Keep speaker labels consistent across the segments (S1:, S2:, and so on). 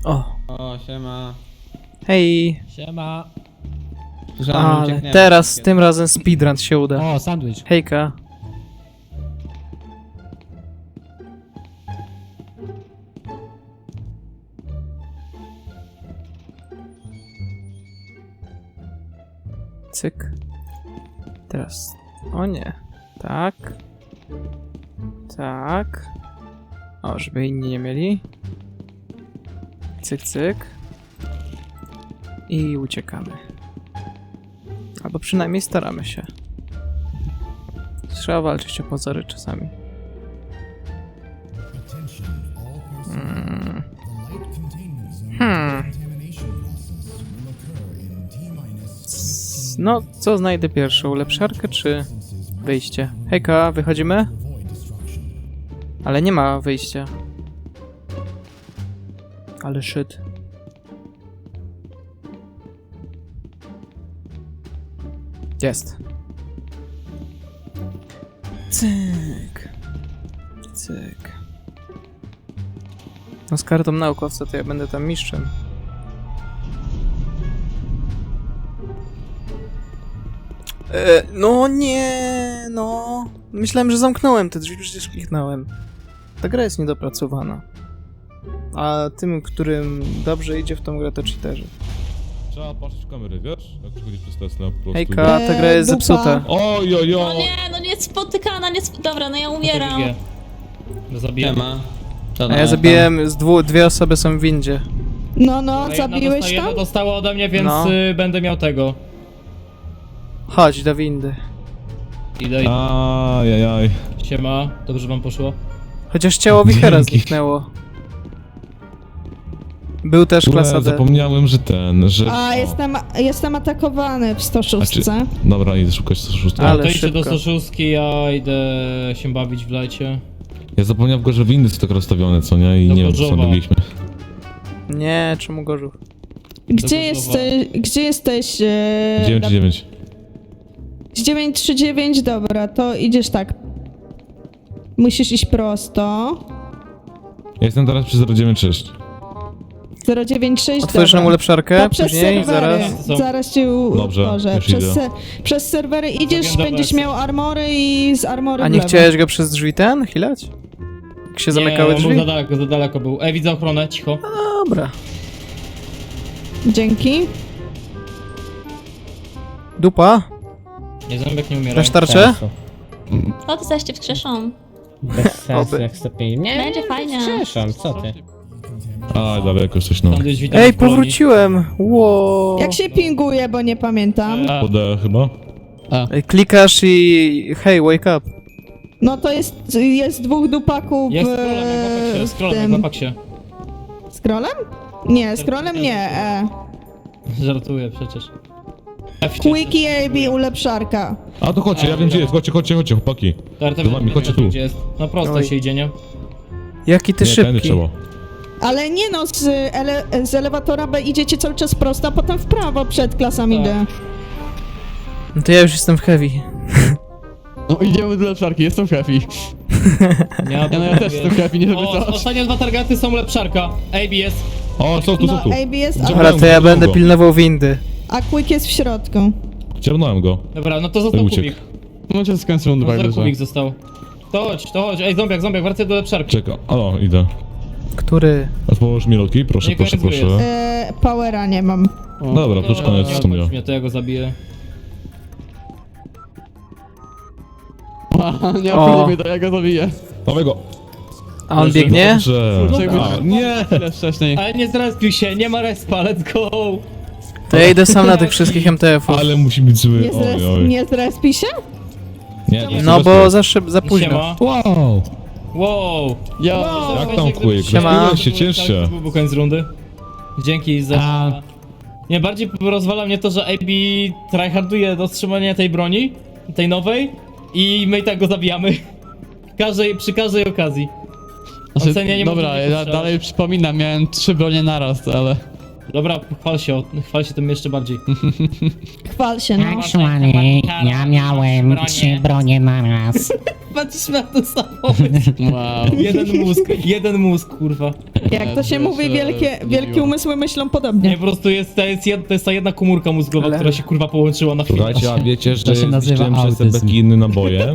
S1: O,
S2: O, siema.
S1: hej.
S3: Siema.
S1: Ale teraz, tym razem speedrun się uda.
S3: O, sandwich.
S1: Hejka. Cyk. Teraz. O nie. Tak. Tak. O, żeby inni nie mieli. Cyk, cyk. I uciekamy. Albo przynajmniej staramy się. Trzeba walczyć o pozory czasami. No, co znajdę pierwszą? Ulepszarkę czy wyjście? Hejka, wychodzimy? Ale nie ma wyjścia. Ale shit. Jest. Cyk. Cyk. No z kartą naukowca to ja będę tam mistrzem. No nie, no. Myślałem, że zamknąłem te drzwi, przecież kliknąłem. Ta gra jest niedopracowana. A tym, którym dobrze idzie w tą grę, to cheaterzy.
S4: Trzeba patrzeć w kamerę, wiesz? Jak przechodzisz przez Tesla po prostu.
S1: Hejka, ta gra jest
S5: dupa.
S1: zepsuta.
S4: Oj, oj,
S5: No
S4: oj!
S5: nie, no nie spotykana, nie Dobra, no ja umieram.
S3: No zabiję.
S2: Siema.
S1: A ja zabiłem, dwie osoby są w windzie.
S5: No, zabiłeś tam?
S3: Jedno dostało ode mnie, więc
S1: No.
S3: będę miał tego.
S1: Chodź do windy.
S3: Idę.
S4: Ajajaj.
S3: Siema, dobrze wam poszło?
S1: Chociaż ciało Wichera
S4: Dzięki.
S1: zniknęło. Był też klasa D.
S4: Zapomniałem, że że...
S5: A, jestem atakowany w 106.
S4: Dobra, idę szukać 106.
S1: Ale
S3: To idźcie do
S1: szybko.
S3: Soszówki, ja idę się bawić w lecie.
S4: Ja zapomniałem go, że windy są tak rozstawione, co nie? I
S3: Do
S4: nie wiem, co
S3: Gorzowa.
S4: robiliśmy.
S1: Nie, czemu Gorzów?
S5: Gdzie jesteś?
S4: 9-9.
S5: 939, dobra, to idziesz tak. Musisz iść prosto.
S4: Ja jestem teraz przy 096.
S5: 096,
S1: Otworzysz nam
S5: dobra.
S1: ulepszarkę
S5: To przez
S1: później,
S5: serwery.
S1: zaraz.
S5: Zaraz cię
S4: Dobrze,
S5: ułożę.
S4: już idę.
S5: Przez serwery idziesz,
S3: Dobra,
S5: będziesz
S3: dobra.
S5: miał armory i z armory
S1: A
S5: w
S1: nie
S5: lewo.
S1: chciałeś go przez drzwi hilać? Jak się zamykały
S3: Nie, on
S1: drzwi?
S3: był za daleko był. Widzę ochronę, cicho.
S1: Dobra.
S5: Dzięki.
S1: Dupa?
S3: Nie, zębek nie umiera.
S1: Dasz tarczę?
S6: O, ty zaś cię wskrzeszą.
S7: Bez sensu
S1: Oby.
S7: jak stopień. Nie,
S6: Będzie fajnie.
S7: Przepraszam, co ty?
S4: A, daleko coś, no.
S3: Sandwich, witam
S1: Ej,
S3: w Polonii.
S1: powróciłem! Wow.
S5: Jak się pinguje, bo nie pamiętam.
S4: Podę chyba?
S1: Ej, klikasz i... Hej, wake up.
S5: No to jest dwóch dupaków
S3: Jest scrollem, jak na paksie.
S5: Scrollem? Nie, scrollem nie.
S3: Żartuję przecież.
S5: Quickie AB ulepszarka.
S4: A to chodźcie, ja wiem gdzie jest, chodźcie, chłopaki.
S3: Tarta
S4: Do wami, chodźcie tu.
S3: Gdzie jest? No prosto
S1: Oj.
S3: się idzie, nie?
S1: Jaki ty
S4: Nie, tędy
S1: szybki.
S4: trzeba.
S5: Ale nie no, z elewatora B idziecie cały czas prosto, a potem w prawo przed klasami
S3: Tak.
S5: D.
S1: No to ja już jestem w heavy.
S8: No idziemy do lepszarki, jestem happy.
S3: Ja
S8: też jestem happy, nie żeby
S3: O,
S8: coś.
S3: ostatnie dwa targety są lepszarka. ABS.
S4: O, są tu,
S5: No,
S4: są tu.
S5: AB jest,
S1: Dobra, to ja będę pilnował windy.
S5: a Quick jest w środku.
S4: Ciernąłem go.
S3: Dobra, no to został
S4: Uciekł.
S3: kubik.
S8: Możecie skończyć rundę,
S3: Został
S8: tak
S3: kubik został. To chodź. Ej, zombiak, wracaj do lepszarki.
S4: Czekam. O, idę.
S1: Który?
S4: Położ mi loki, proszę,
S3: Nie
S4: proszę,
S3: koniec
S4: proszę.
S5: Powera nie mam.
S4: Dobra, to już koniec w sumie.
S3: Mnie, to ja go zabiję.
S8: Nie
S1: O.
S8: obchodzi mnie to, ja go zabiję.
S4: Dawaj go.
S1: A on
S3: Leży.
S1: biegnie?
S4: Dobrze.
S8: Czekaj,
S4: A, nie!
S8: Chwilę wcześniej.
S3: Ale nie zrespił się, nie ma respa, let's go!
S1: To ja idę sam na tych wszystkich MTF-ów.
S4: Ale musi być zły.
S5: Nie,
S4: Oj, oj.
S5: nie zrespi się?
S4: Nie,
S1: No bo za późno.
S3: Siema.
S4: Wow!
S3: Wow!
S8: Ja...
S4: Jak tam Quick?
S1: Siema.
S4: Rozpiłeś się, ciesz się.
S3: Był koniec rundy. Dzięki za... Nie, bardziej rozwala mnie to, że AB tryharduje do wstrzymania tej broni, tej nowej, i my i tak go zabijamy. Przy każdej okazji.
S8: Znaczy,
S3: Ocenia nie
S8: dobra,
S3: może
S8: ja
S3: strzelać.
S8: dalej przypominam, miałem 3 bronie naraz, ale...
S3: Dobra, chwal się tym jeszcze bardziej.
S5: Chwal się, no.
S7: Actually, ja miałem 3 bronie naraz.
S3: Patrz na to samo.
S8: Wow.
S3: Jeden mózg, kurwa.
S5: Jak to się mówi, wielkie umysły myślą
S3: Nie,
S5: podobnie.
S3: po prostu to jest ta jedna komórka mózgowa,
S1: Ale-
S3: która się kurwa połączyła na chwilę.
S4: Słuchajcie, a wiecie, że
S7: To się nazywa
S4: zniszczyłem przez te
S7: autyzm.
S4: beki inne naboje?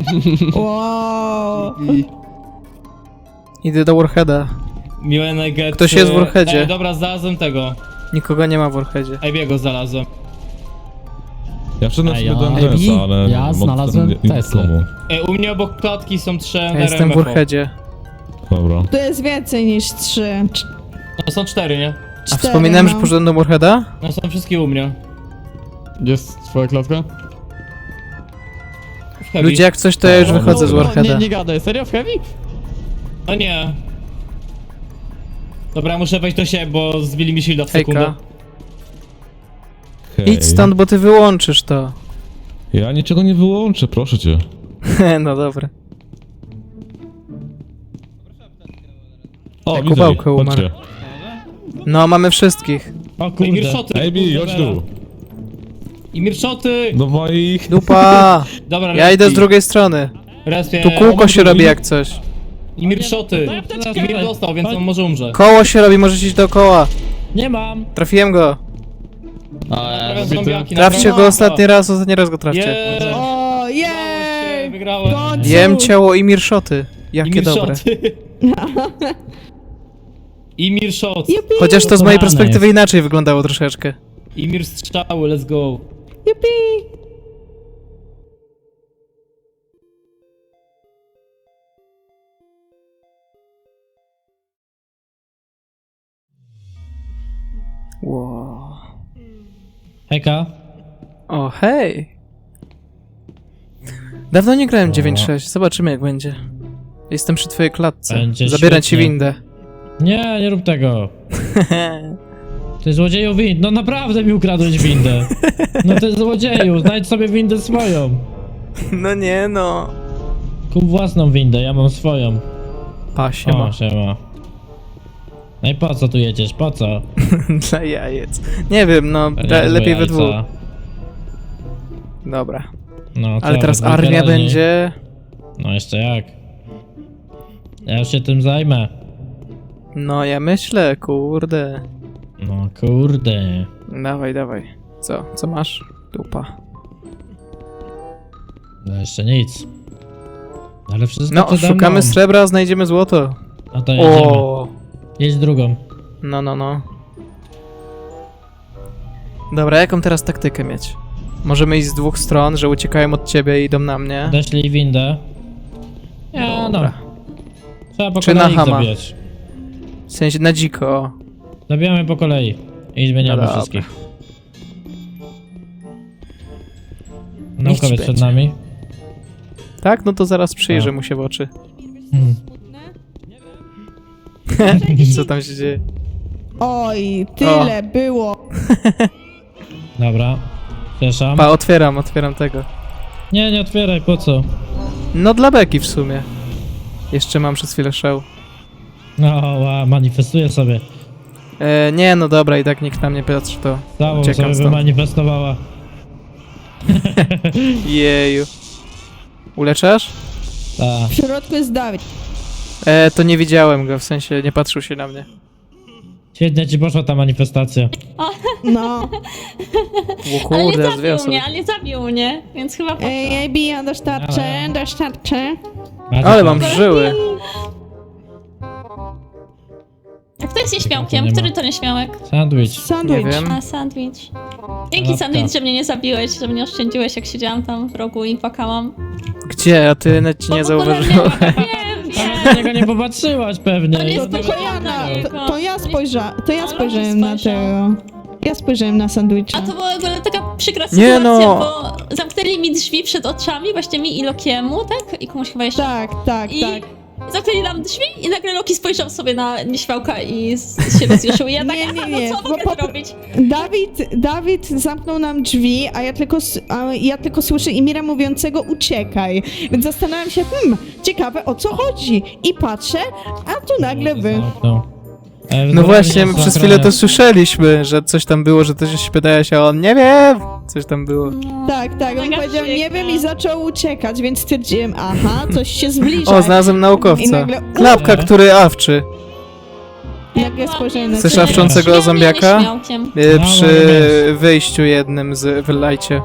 S5: Wow.
S1: Idę do Warheada.
S3: Miłe get.
S1: Ktoś jest w Warheadzie.
S3: Dobra, znalazłem tego.
S1: Nikogo nie ma w Warheadzie.
S3: Ebiego znalazłem.
S4: Ja wszedłem
S7: Ej,
S4: sobie do
S7: ja-
S4: MTS-a, ale...
S7: ja znalazłem Teslę.
S4: Komu.
S3: U mnie obok klatki są 3
S1: Ja jestem w Warheadzie.
S4: Dobra.
S5: To jest więcej niż 3.
S3: No są 4, nie?
S1: A wspominałem, że poszedłem do Warheada?
S3: No są wszystkie u mnie.
S8: Gdzie jest twoja klatka?
S3: W heavy.
S1: Ludzie, jak coś, to ja już
S4: O,
S1: wychodzę z
S8: Nie,
S1: Warheada.
S8: nie gadaj, serio w heavy?
S3: No nie. Dobra, muszę wejść do siebie, bo zbili mi shielda w sekundę.
S1: Hejka.
S4: Hej.
S1: Idź stąd, bo ty wyłączysz to.
S4: Ja niczego nie wyłączę, proszę cię.
S1: No dobra.
S4: O,
S1: Jak
S4: widzę ich,
S1: Kubałka umarł.
S4: chodźcie.
S1: No, mamy wszystkich.
S7: O
S3: Ej,
S7: kurde.
S3: mirszoty!
S4: Ejbi, chodź tu.
S3: I mirszoty!
S4: Do moich...
S1: Dupa!
S3: Dobra,
S1: Ja idę z drugiej strony.
S3: Respie.
S1: Tu kółko się robi jak coś.
S3: I mirszoty! I mir dostał, więc on może umrze.
S1: Koło się robi, możesz iść dookoła.
S7: Nie mam.
S1: Trafiłem go.
S3: Naprawiam zombiaki,
S1: Trafcie go
S3: naprawiam
S1: ostatni raz go trafcie.
S3: Jeee!
S5: O,
S3: Udało się,
S5: jej!
S3: wygrałem.
S5: Końcu.
S1: Jem ciało i mirszoty.
S3: I
S1: Jakie dobre.
S3: mirszoty. I mirszot.
S5: Jupi,
S1: Chociaż to z mojej
S7: Kochane
S1: perspektywy
S7: jest.
S1: inaczej wyglądało troszeczkę.
S3: I mir strzały, let's go.
S5: jupi.
S1: Wow.
S7: Hejka.
S1: O, hej! Dawno nie grałem 9.6, zobaczymy jak będzie. Jestem przy twojej klatce.
S7: Będzie
S1: Zabieram ci
S7: świetnie.
S1: windę.
S7: Nie, nie rób tego. Ty złodzieju wind, no naprawdę mi ukradłeś windę. No ty złodzieju, znajdź sobie windę swoją.
S1: No nie no.
S7: Kup własną windę, ja mam swoją.
S1: Pa, siema.
S7: O, siema. No i po co tu jedziesz, po co?
S1: Dla jajec. Nie wiem, no,
S7: Pewnie
S1: lepiej we
S7: jajca.
S1: dwóch. Dobra.
S7: No, co,
S1: Ale teraz
S7: we dwójkę
S1: armia
S7: raźniej.
S1: będzie...
S7: No jeszcze jak. Ja już się tym zajmę.
S1: No ja myślę, kurde.
S7: No kurde.
S1: Dawaj, dawaj. Co masz? Dupa.
S7: No jeszcze nic. Ale wszystko
S1: No,
S7: przede
S1: szukamy
S7: mną.
S1: srebra, znajdziemy złoto.
S7: No to jedziemy.
S1: O,
S7: Jedź drugą.
S1: no. Dobra, jaką teraz taktykę mieć? Możemy iść z dwóch stron, że uciekają od ciebie i idą na mnie.
S7: Deszli windę. Ja no.
S1: Dobra.
S7: Trzeba po
S1: Czy na
S7: kolei ich
S1: Hama?
S7: zabijać.
S1: W sensie na dziko.
S7: Zabijamy po kolei. I zmieniamy
S1: No dobra.
S7: wszystkich.
S1: Niech ci
S7: Naukowiec przed
S1: będzie.
S7: nami.
S1: Tak? No to zaraz przyjrzę
S7: A.
S1: mu się w oczy.
S7: Hmm.
S1: Co tam się dzieje?
S5: Oj, tyle było.
S7: Dobra. Przepraszam.
S1: Pa, otwieram tego.
S7: Nie, nie otwieraj, po co?
S1: No dla beki w sumie. Jeszcze mam przez chwilę show.
S7: No, manifestuję sobie.
S1: Nie, no dobra, i tak nikt na mnie patrzy, to
S7: Całą
S1: uciekam
S7: sobie
S1: stąd.
S7: wymanifestowała.
S1: Jeju. Uleczasz?
S7: Ta.
S5: W środku jest Dawid.
S1: To nie widziałem go, w sensie nie patrzył się na mnie.
S7: Świetnie ci poszła ta manifestacja.
S5: No.
S1: O
S6: Ale nie
S1: kurde, aż dwie
S6: zabił
S1: osoby.
S6: mnie, ale nie zabił mnie, więc chyba po...
S5: Ej, ja dostarczę.
S1: Ale mam żyły.
S6: A kto jest
S7: to
S6: nieśmiałkiem?
S7: nie ma.
S6: Który to nieśmiałek?
S7: Sandwich.
S5: Sandwich.
S1: Nie wiem.
S6: A, sandwich. Dzięki,
S7: Lapka.
S6: sandwich, że mnie nie zabiłeś, że mnie oszczędziłeś, jak siedziałam tam w rogu i płakałam.
S1: Gdzie? A ty nawet ci nie
S6: Bo w ogóle
S1: zauważyłem.
S6: Wiem.
S7: Na niego nie popatrzyłaś pewnie.
S6: To nie jest
S5: To tylko ja
S6: na-
S5: to ja spojrzałem na
S6: spojrzał.
S5: tego. Ja spojrzałem na sandwicha.
S6: A to była w ogóle taka przykra
S1: Nie
S6: sytuacja,
S1: no.
S6: bo zamknęli mi drzwi przed oczami, właśnie mi i Lokiemu, tak? I komuś chyba jeszcze.
S5: Tak.
S6: I zamknęli nam drzwi i nagle Loki spojrzał sobie na nieśmiałka i się rozjuszył. I ja tak,
S5: Nie,
S6: no co
S5: bo
S6: mogę
S5: po-
S6: zrobić?
S5: Dawid zamknął nam drzwi, a ja tylko słyszę Imira mówiącego uciekaj. Więc zastanawiam się, ciekawe o co chodzi. I patrzę, a tu nagle wy.
S7: No.
S1: No właśnie, my przez chwilę to słyszeliśmy, że coś tam było, że coś się pytałeś, a on nie wiem, coś tam było.
S5: Tak, on
S6: Mega
S5: powiedział, nie
S6: przykro.
S5: wiem i zaczął uciekać, więc stwierdziłem, aha, coś się zbliża.
S1: O, znalazłem
S5: I
S1: naukowca.
S5: nagle-
S1: Klapka, który awczy.
S5: Nagle spojrzałem na
S1: Chcesz
S5: ciebie.
S1: awczącego
S6: Śmiał
S1: zombiaka?
S6: mnie śmiałkiem.
S1: Przy wyjściu jednym z wylajcie.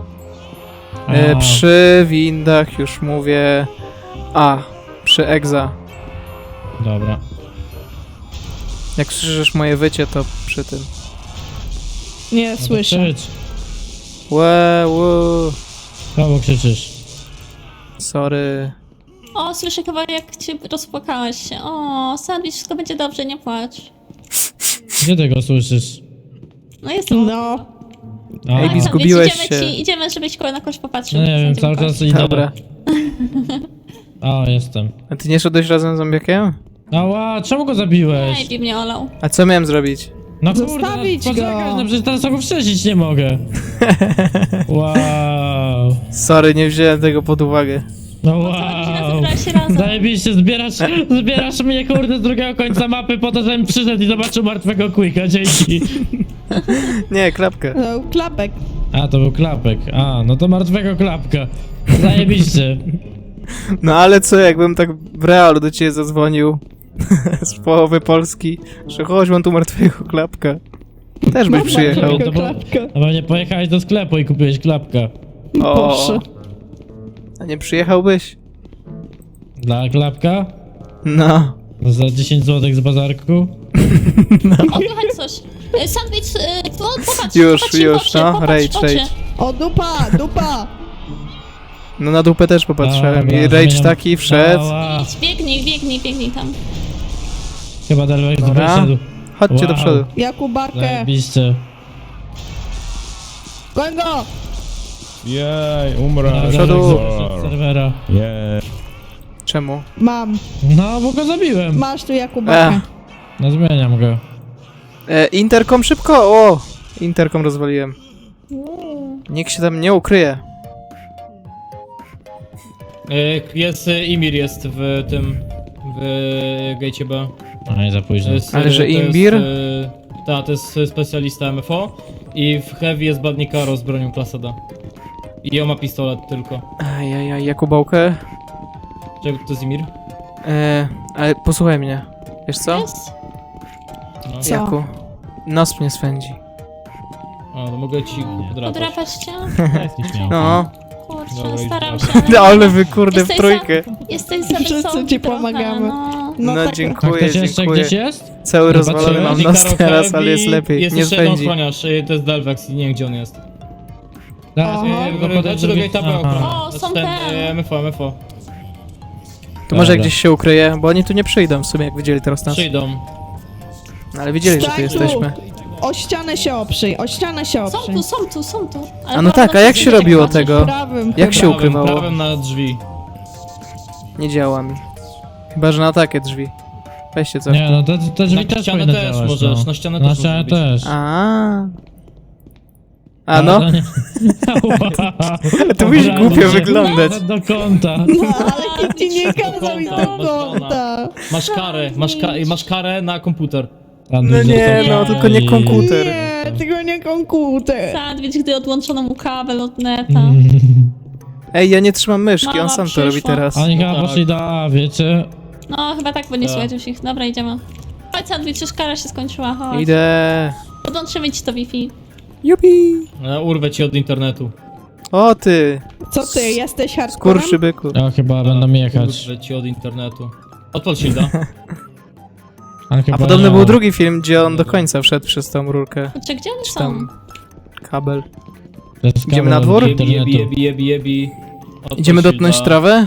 S1: Przy windach już mówię... przy Egza.
S7: Dobra.
S1: Jak słyszysz moje wycie, to przy tym.
S5: Nie,
S7: No to
S5: słyszę.
S7: krzycz.
S1: Łe.
S7: Kogo krzyczysz?
S1: Sorry.
S6: O, słyszę chyba jak cię rozpłakałaś się. O, sandwich, wszystko będzie dobrze, nie płacz.
S7: Gdzie ty go słyszysz?
S6: No jestem.
S5: No,
S7: A,
S1: Ej,
S6: Sandwich,
S1: zgubiłeś
S6: idziemy
S1: się.
S6: Idziemy, żebyś na kogoś popatrzył.
S7: no nie wiem, cały czas idę.
S1: Dobra.
S7: O, jestem.
S1: A ty nie szedłeś razem z zombiakiem?
S7: Ała, czemu go zabiłeś?
S6: Ej, mnie olał.
S1: A co miałem zrobić?
S7: No kurde,
S5: Zostawić
S7: no, poczekaj,
S5: go.
S7: no przecież teraz go wstrzesić nie mogę. Wow.
S1: Sorry, nie wziąłem tego pod uwagę.
S7: No
S6: Wow.
S7: wow.
S6: Zebrałeś się razem.
S7: Zajebiście, zbierasz mnie kurde z drugiego końca mapy po to, żebym przyszedł i zobaczył martwego Quicka, dzięki.
S1: Nie, klapkę.
S5: no, klapek.
S7: A, to był klapek. A, no to martwego klapka. Zajebiście.
S1: No ale co, jakbym tak w realu do ciebie zadzwonił z połowy Polski, że chodź, mam tu martwego klapka. Też byś przyjechał.
S7: To było-
S5: Klapka.
S7: No pewnie pojechałeś do sklepu i kupiłeś klapka.
S5: Proszę.
S1: A nie przyjechałbyś?
S7: Dla klapka?
S1: No.
S7: Za 10 zł z bazarku?
S6: O, słuchaj coś. Sandwich, popatrz,
S1: Już,
S6: popatrz im w
S1: już,
S6: oczy,
S1: no,
S6: popatrz
S1: rage,
S6: w oczy.
S1: rage.
S5: O, dupa!
S1: No na dupę też popatrzyłem
S7: Dobra,
S1: i rage
S7: zmieniam-
S1: taki wszedł.
S7: Ała.
S6: Idź, biegnij tam.
S7: Chyba Delvex
S1: Dobra.
S7: wyszedł.
S1: Chodźcie do
S7: Wow.
S1: przodu.
S5: Jakubakę.
S7: Zajebiście.
S5: Goń go!
S4: Jej, umrę.
S7: Dobra,
S1: przodu.
S7: Delvex wyszedł z serwera.
S4: Jej.
S1: Czemu?
S5: Mam.
S7: No, bo go zabiłem.
S5: Masz tu Jakubakę.
S7: No zmieniam go.
S1: Interkom szybko! O! Interkom rozwaliłem. Nikt się tam nie ukryje.
S3: Jest, Imir jest w tym, w Gatecie B.
S7: A nie za późno.
S3: To jest,
S1: Ale że
S3: to jest,
S1: Imbir?
S3: Tak, to jest specjalista MFO. I w Heavy jest Badnikaro z bronią klasy D. I on ma pistolet tylko.
S1: Ajajaj, Jakubałkę.
S3: Czego to jest Imir?
S1: Ale posłuchaj mnie. Wiesz co?
S6: Jest?
S3: No.
S5: Co?
S1: Jaku. Nos mnie swędzi.
S3: O, to mogę ci podrapać.
S6: Podrapać cię?
S7: Jesteś miał.
S1: No.
S6: Kurczę,
S3: Dobra,
S6: staram
S3: idź.
S6: się, ale...
S1: No ale wy kurde w
S6: Jesteś
S1: trójkę.
S6: Jesteś za
S5: Wszyscy
S6: wysoki
S5: ci
S6: trochę,
S5: pomagamy.
S6: no.
S1: No,
S5: tak.
S7: A
S1: dziękuję,
S7: ktoś jeszcze
S1: dziękuję.
S7: gdzieś jest?
S1: Cały
S7: Nie
S1: rozwalony
S7: patrzyłem.
S1: mam
S3: Badnikaro
S1: nos teraz,
S3: Heavy,
S1: ale jest lepiej.
S3: Jest
S1: Nie
S3: jeszcze jeden
S1: swędzi.
S3: ochroniarz, to jest Delvex i nie wiem gdzie on jest.
S7: Zaraz,
S5: Aha.
S7: ja go podejdę
S3: Znaczy do Gate'a B
S7: Aha.
S3: ochrona.
S6: O,
S3: Znaczy
S6: są
S3: ten,
S6: ten.
S3: MFO.
S1: To może
S7: Dobra.
S1: gdzieś się ukryje, bo oni tu nie przyjdą w sumie, jak widzieli teraz nas.
S3: Przyjdą.
S1: No, ale widzieli, że tu
S5: Stań
S1: jesteśmy.
S5: O ścianę się oprzyj, o ścianę się
S6: Są
S5: oprzyj.
S6: tu. Ale
S1: A no tak, a jak się
S6: bardzo
S1: robiło
S6: patrzysz.
S1: tego?
S5: Prawym
S1: Jak
S5: chyba.
S1: się ukrywało?
S3: Prawem na drzwi.
S1: Nie działa mi. Chyba, że na takie drzwi. Weźcie co.
S7: Nie, no te drzwi
S3: Na
S7: też
S3: ścianę
S7: powinny
S3: też
S7: działać,
S3: możesz,
S7: no.
S3: na ścianę
S7: Na
S3: też
S7: ścianę
S3: możesz
S7: też.
S1: A
S7: Ale
S1: no,
S7: to nie-
S1: to musisz
S7: Obrano
S1: głupio
S7: się
S1: wyglądać.
S7: Do kąta.
S5: No, ale nikt ci nie kazał iść do kąta.
S3: Masz karę na komputer.
S1: No nie, no tylko nie komputer.
S5: Nie, tylko nie komputer.
S6: Sandwich, gdy odłączono mu kabel od neta.
S1: Ej, ja nie trzymam myszki, on
S6: Mama
S1: sam to
S6: przyszła.
S1: robi teraz.
S7: Oni chyba
S3: tak.
S7: poszli do A, wiecie?
S6: No, chyba tak, bo nie
S3: Tak.
S6: słuchajcie już ich. Dobra, idziemy. Chodź, Sandwich, już kara się skończyła, chodź.
S1: Idę.
S6: Podłączymy ci to Wi-Fi.
S1: Jupi.
S3: Urwę ci od internetu.
S1: O ty,
S5: Co ty, jesteś hardcorem?
S1: skurczy byku.
S7: Ja chyba będą jechać.
S3: Urwę ci od internetu. Odpal shielda.
S7: Ale chyba
S1: A podobny
S7: nie.
S1: był drugi film, gdzie on do końca wszedł przez tą rurkę.
S6: Kurczę, gdzie one
S1: Czy
S6: są?
S1: tam kabel.
S7: To jest
S1: Idziemy na
S7: kabel
S1: dwór?
S7: do
S3: Jebi,
S7: internetu.
S3: jebi. Odpal
S1: Idziemy
S3: shielda.
S1: dotknąć trawę?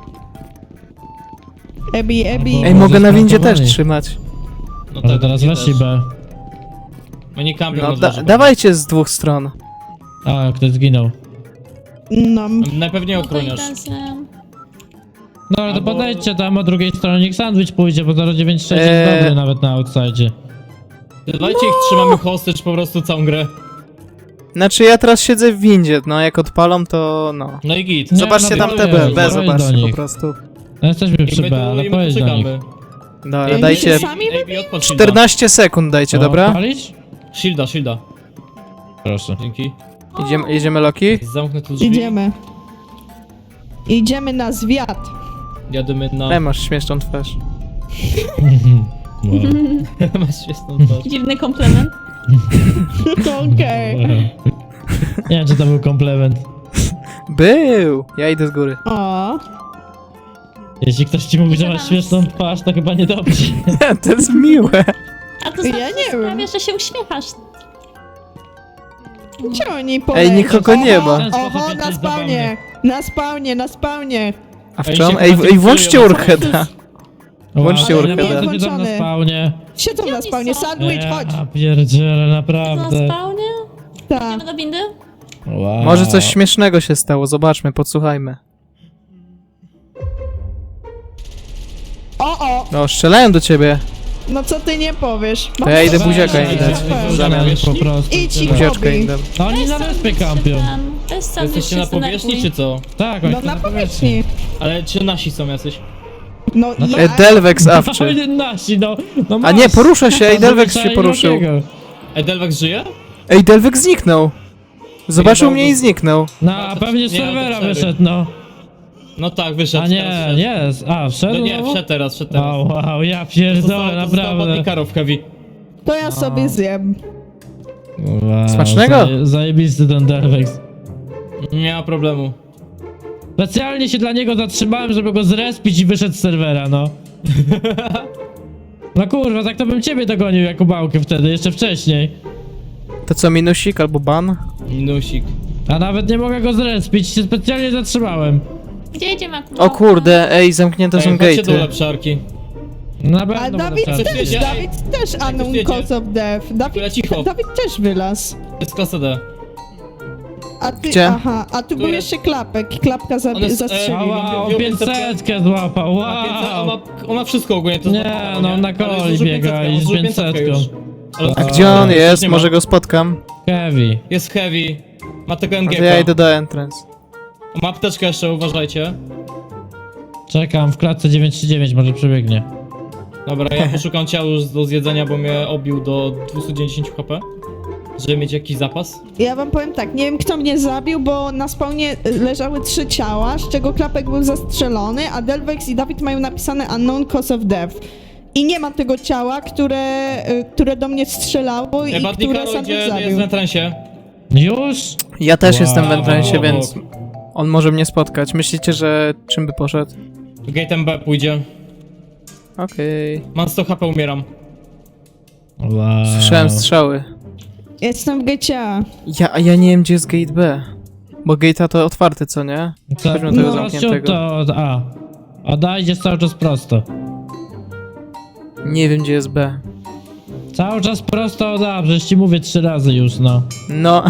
S5: Ebi.
S1: Ej, mogę na windzie też
S7: Zasmartowani.
S1: trzymać.
S3: No
S7: Może
S3: tak,
S7: teraz
S3: nie
S7: weszli
S3: też.
S7: B.
S3: Oni kampią
S1: No
S3: na dworze.
S1: dawajcie z dwóch stron.
S7: A, ktoś zginął.
S5: No,
S3: Najpewniej
S6: No to
S3: ochroniarz.
S6: idę z...
S7: No ale to
S3: Albo-
S7: podejdźcie tam od drugiej strony, niech sandwich pójdzie, bo 096 jest dobry nawet na outside.
S3: Dajcie ich, trzymamy hostage po prostu całą grę.
S1: Znaczy ja teraz siedzę w windzie, no jak odpalą to no.
S3: No i git.
S7: Nie,
S1: Zobaczcie
S7: no
S1: tam
S7: to
S1: te
S7: jest,
S1: B,
S7: powiedz do
S1: zobaczcie po
S7: nich.
S1: prostu.
S7: No jesteśmy
S3: I
S7: przy
S3: my
S7: B,
S3: tu,
S7: ale
S3: i my tu
S7: pojedź do nich.
S3: czekamy.
S1: Dobra,
S3: Ej,
S1: dajcie
S5: sami
S3: AB, odpal shielda.
S1: 14 sekund dajcie, dobra?
S7: Palić?
S3: Shielda.
S7: Proszę.
S3: Dzięki.
S1: Jedziemy Loki?
S3: Zamknę tu drzwi.
S5: Idziemy. Idziemy na zwiat.
S3: Jadymy na...
S1: Masz śmieszną twarz.
S7: Wow.
S3: Masz świetną twarz.
S6: Dziwny komplement.
S5: Okej.
S7: Nie wiem, czy to był komplement.
S1: Był! Ja idę z góry.
S5: O.
S7: Jeśli ktoś ci mówi, że masz śmieszną twarz, to chyba niedobrze.
S1: To jest miłe.
S6: A to
S5: Ja
S6: znaczy,
S5: nie
S6: że
S5: wiem.
S6: sprawia, że się uśmiechasz.
S5: Gdzie oni polecieli?
S1: nikogo nie ma.
S7: W ten sposób
S5: Oho,
S7: jesteś
S5: na spawnie. Na spawnie.
S1: A w
S3: Ej,
S1: czym?
S3: się
S1: Ej,
S3: chyba
S1: ej, włączcie
S3: filtrują.
S1: Urheda. Włączcie
S7: Wow,
S1: Urheda.
S7: naprawdę siedzą na
S5: Włączony.
S7: spawnie.
S5: Siedzą na spawnie. Sandwich, chodź.
S7: Ja pierdzielę,
S6: Na
S7: naprawdę.
S6: spawnie?
S5: Tak.
S6: Idziemy do windy?
S7: Wow.
S1: Może coś śmiesznego się stało, zobaczmy, podsłuchajmy.
S5: O.
S1: No, strzelają do ciebie.
S5: No co ty nie powiesz?
S1: To ja idę buziaka
S7: Weź,
S1: im dać.
S7: weź,
S1: Zamiast.
S7: weź, po prostu.
S5: Idź i
S1: Buziaczkę im dam.
S7: Oni na wyspie kampią.
S6: To jest sandwich,
S3: Jesteście na
S6: się
S3: powierzchni, czy
S6: zdenerwuj.
S3: co?
S7: Tak, oni
S5: No
S7: są
S5: na powierzchni.
S3: Ale czy nasi są jacyś?
S5: No
S1: E, Delvex awczy.
S7: Oni nasi, no. No
S1: A nie,
S7: masz.
S1: porusza się, ej, Delvex się
S7: Zazwyczaj
S1: poruszył.
S7: Lokiego.
S3: Delvex żyje?
S1: Ej, Delvex zniknął. Zobaczył
S3: Ej,
S1: mnie i zniknął.
S7: No,
S3: No,
S7: a
S3: to
S7: pewnie z
S3: nie, to
S7: serwera
S3: cztery.
S7: wyszedł, no.
S3: No tak, wyszedł.
S7: A
S3: teraz
S7: nie,
S3: wszedł.
S7: jest. A, wszedł?
S3: No nie,
S7: znowu?
S3: wszedł teraz.
S7: O, wow, ja
S3: To
S7: pierdolę, naprawdę.
S3: Ostatni karów heavy.
S5: To ja sobie zjem.
S7: Wow,
S1: Smacznego?
S7: Zajebisty ten Delvex.
S3: Nie ma problemu.
S7: Specjalnie się dla niego zatrzymałem, żeby go zrespić i wyszedł z serwera, no. No kurwa, tak to bym ciebie dogonił jako bałkę wtedy, jeszcze wcześniej.
S1: To co, minusik albo ban?
S3: Minusik.
S7: A nawet nie mogę go zrespić, się specjalnie zatrzymałem.
S6: Gdzie idziemy akurat?
S1: O kurde, ej, zamknięte są
S3: Chodźcie do
S1: gate'y.
S3: lepszarki.
S7: Na
S5: A
S7: pewno
S5: Dawid
S7: będę
S3: Coś
S5: też,
S3: wiecie?
S5: Dawid też unknown
S3: wiecie?
S5: cause of death.
S3: Tyle cicho.
S5: Dawid też wylazł.
S3: To jest klasa D.
S5: A ty,
S1: Gdzie?
S5: aha, a tu był
S3: jest.
S5: jeszcze klapek. Klapka
S3: On jest,
S5: zastrzelił.
S7: Wow,
S3: Wziął
S7: 500 złapał, wow.
S3: On ma wszystko ogólnie, to
S7: Nie,
S3: złapał,
S7: no, na
S3: Ale
S7: koli
S3: zużył
S7: biega
S3: 500,
S7: i
S3: on
S7: z
S3: zużył
S7: 500
S3: już. Ale
S1: A gdzie on
S3: już
S1: jest?
S3: nie ma.
S1: Może go spotkam?
S7: Heavy.
S3: Jest heavy. Ma tego
S1: No
S3: MG.
S1: to ja idę do entrance.
S3: Ma apteczkę jeszcze, uważajcie.
S7: Czekam w klatce 939, może przebiegnie.
S3: Dobra, ja poszukam ciała już do zjedzenia, bo mnie obił do 210 HP. Żeby mieć jakiś zapas.
S5: Ja wam powiem tak, nie wiem kto mnie zabił, bo na spawnie leżały 3 ciała, z czego klapek był zastrzelony, a Delvex i Dawid mają napisane unknown cause of death. I nie ma tego ciała, które do mnie strzelało i
S3: Ej,
S5: które
S3: Badnikaro, gdzie
S5: Sandwich
S3: jest
S5: zabił.
S3: w entrancie?
S7: Już?
S1: Ja też
S7: Wow.
S1: jestem w entrancie,
S3: Obok.
S1: więc on może mnie spotkać. Myślicie, że czym by poszedł?
S3: Gate'em B pójdzie.
S1: Okej.
S3: Mam 100 HP, umieram.
S7: Wow.
S1: Słyszałem strzały.
S5: Jestem w GCA.
S1: Ja nie wiem, gdzie jest gate B. Bo gate'a to otwarty, co nie?
S7: Co?
S1: Weźmy tego
S7: No,
S1: zamkniętego.
S7: to A. A da, idziesz cały czas prosto.
S1: Nie wiem, gdzie jest B.
S7: Cały czas prosto od A, przecież ci mówię 3 razy już, no.
S1: No,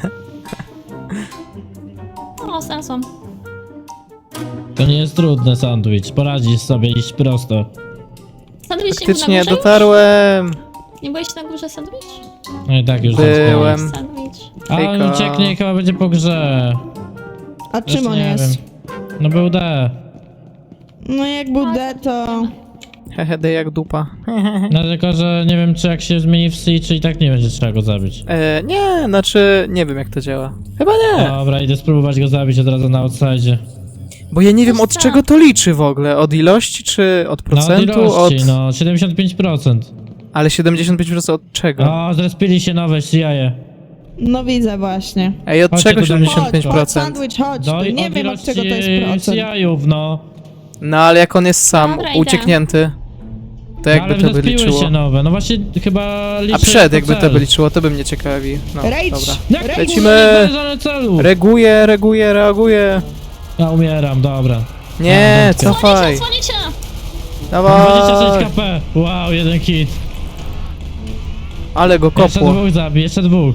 S6: O, znalazłam.
S7: To nie jest trudne, sandwich. Poradzisz sobie iść prosto.
S6: Sandwich nie był
S1: faktycznie
S6: na górze już?
S1: dotarłem.
S6: Nie byłeś na górze sandwich?
S7: No i tak już
S1: Byłem.
S6: Sandwich.
S7: A on
S1: Hejka.
S7: ucieknie i chyba będzie po grze.
S5: A
S7: Też
S5: czym on
S7: nie
S5: jest?
S7: wiem. No był D.
S5: No jak był D, to...
S1: Hehe, D jak dupa.
S7: No tylko, że nie wiem, czy jak się zmieni w C, czy i tak nie będzie trzeba go zabić.
S1: Nie, znaczy nie wiem, jak to działa. Chyba nie.
S7: Dobra, idę spróbować go zabić od razu na outside.
S1: Bo ja nie wiem, od
S6: tak.
S1: czego to liczy w ogóle. Od ilości, czy od
S7: No od
S1: procentu?
S7: ilości, no 75%.
S1: Ale 75% od czego?
S7: O, zrespili się nowe CIA.
S5: No widzę właśnie.
S1: Ej, od
S7: Chodźcie
S1: czego
S7: tu do mnie.
S5: Chodź,
S1: 75%?
S5: sandwich, chodź.
S7: No
S5: tu.
S7: i
S5: Nie
S7: od
S5: wiem od czego to jest
S7: ilości
S5: procent.
S7: CIA-ów, no.
S1: No ale jak on jest sam,
S6: Dobra, idę.
S1: ucieknięty, to jakby
S7: Ale
S1: to by
S7: zrespiły
S1: liczyło?
S7: się nowe, no właśnie chyba liczy
S1: A przed
S7: jako
S1: jakby to
S7: cel.
S1: by liczyło, to by mnie ciekawi. No,
S5: Rage!
S1: dobra.
S7: Jak
S5: Rage!
S1: Lecimy.
S7: celu?
S1: Reaguję.
S7: Ja umieram, dobra.
S1: Nie,
S7: Dobra.
S1: cofaj.
S6: Słonicie!
S1: Dawaj.
S7: 26 KP. Wow, jeden hit.
S1: Ale go
S7: Jeszcze
S1: kopło.
S7: dwóch zabij, jeszcze dwóch.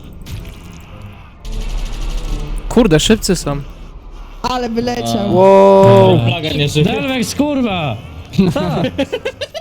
S1: Kurde, szybcy są.
S5: Ale wyleciał.
S1: Wow.
S3: Plaga nie żyje.
S7: Delvex, kurwa!